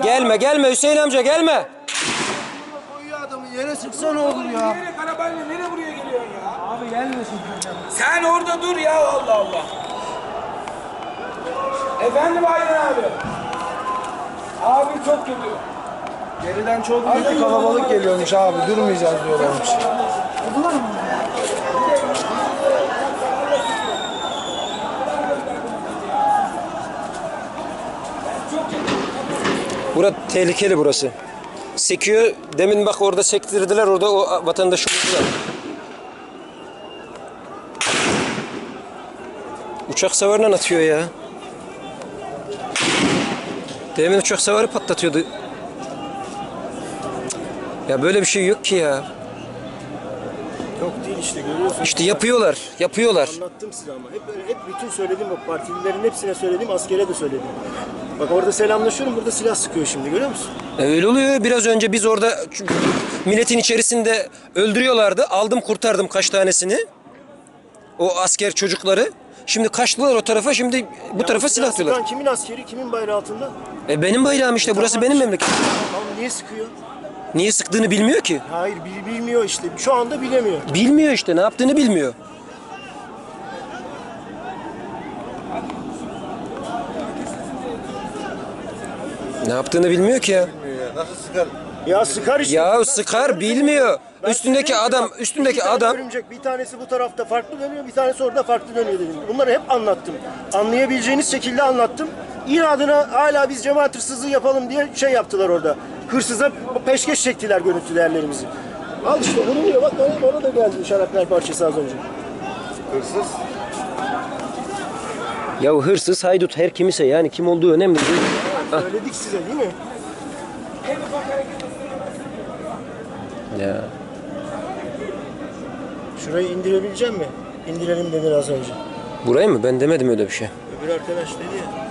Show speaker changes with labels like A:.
A: Gelme gelme Hüseyin amca gelme.
B: Koyuyor adamı yere sıksa ne olur ya?
C: Nereye arabayla nereye buraya geliyorsun ya?
B: Abi gelmesin.
C: Sen orada dur ya Allah Allah. Efendim Aydın abi. Abi çok kötü.
B: Geriden çok büyük bir kalabalık geliyormuş abi. Durmayacağız diyorlarmış.
A: Burası tehlikeli burası. Sekiyor. Demin bak orada sektirdiler. Orada o vatandaşı vurdular. Uçak savarından atıyor ya. Demin uçak savarı patlatıyordu. Ya böyle bir şey yok ki ya.
D: Yok değil işte görüyorsun.
A: İşte yapıyorlar. Yapıyorlar.
D: Anlattım size ama. Hep bütün söylediğim o partililerin hepsine söyledim, askere de söyledim. Bak orada selamlaşıyorum, burada silah sıkıyor şimdi görüyor musun?
A: Öyle oluyor. Biraz önce biz orada milletin içerisinde öldürüyorlardı. Aldım kurtardım kaç tanesini. O asker çocukları. Şimdi kaçtılar o tarafa. Şimdi bu tarafa silah atıyorlar.
D: Sıkan kimin askeri, kimin bayrağı altında?
A: Benim bayrağım işte. Burası benim memleketim.
D: Tamam niye sıkıyor?
A: Niye sıktığını bilmiyor ki.
D: Hayır bilmiyor işte. Şu anda bilemiyor.
A: Bilmiyor işte. Ne yaptığını bilmiyor. Ne yaptığını bilmiyor ki ya.
B: Nasıl sıkar?
D: Ya sıkar işte.
A: Ya sıkar bilmiyor.
D: Ben
A: Üstündeki
D: size dedim ki
A: adam,
D: bak,
A: üstündeki
D: iki tane
A: adam.
D: örümcek, bir tanesi bu tarafta farklı dönüyor, bir tanesi orada farklı dönüyor dedim. Bunları hep anlattım. Anlayabileceğiniz şekilde anlattım. İnadına hala biz cemaat hırsızlığı yapalım diye şey yaptılar orada. Hırsıza peşkeş çektiler görüntü değerlerimizi. Al işte vuruluyor bak bana da geldi şarapnel parçası az önce.
B: Hırsız.
A: Ya hırsız, haydut her kimse yani kim olduğu önemli değil.
D: Söyledik size değil mi?
A: Ya.
D: Şurayı indirebilecek mi? İndirelim dedi az önce.
A: Burayı mı? Ben demedim öyle bir şey.
D: Öbür arkadaş dedi ya.